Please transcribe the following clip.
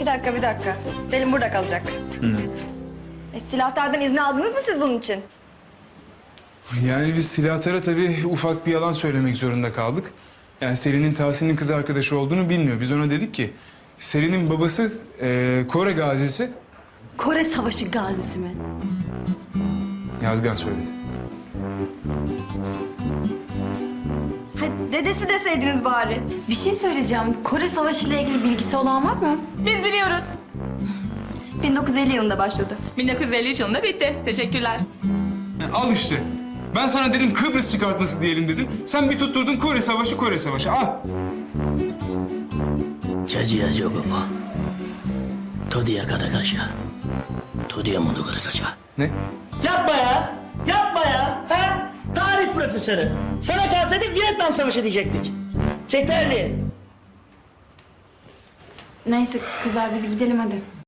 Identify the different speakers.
Speaker 1: bir dakika. Selim burada kalacak. Silahtardan izni aldınız mı siz bunun için?
Speaker 2: Yani biz silahtara tabii ufak bir yalan söylemek zorunda kaldık. Yani Selin'in Tahsin'in kız arkadaşı olduğunu bilmiyor. Biz ona dedik ki Selin'in babası Kore gazisi.
Speaker 1: Kore Savaşı gazisi mi?
Speaker 2: Yazgan söyledi.
Speaker 1: Ha, dedesi deseydiniz bari.
Speaker 3: Bir şey söyleyeceğim. Kore Savaşı ile ilgili bilgisi olan var mı?
Speaker 4: Biz biliyoruz.
Speaker 1: 1950 yılında başladı.
Speaker 4: 1953 yılında bitti. Teşekkürler.
Speaker 2: Ya al işte. Ben sana dedim Kıbrıs çıkartması diyelim dedim. Sen bir tutturdun Kore Savaşı, Kore Savaşı. Al.
Speaker 5: 자지야 조금 더디야 가라가샤 더디야 모두 가라가샤
Speaker 2: Ne?
Speaker 5: Yapma ya! Yapma ya! Ha? Tarih profesörü. Sana kalsaydı Vietnam Savaşı diyecektik. Çek terliği.
Speaker 3: Neyse kızlar biz gidelim hadi.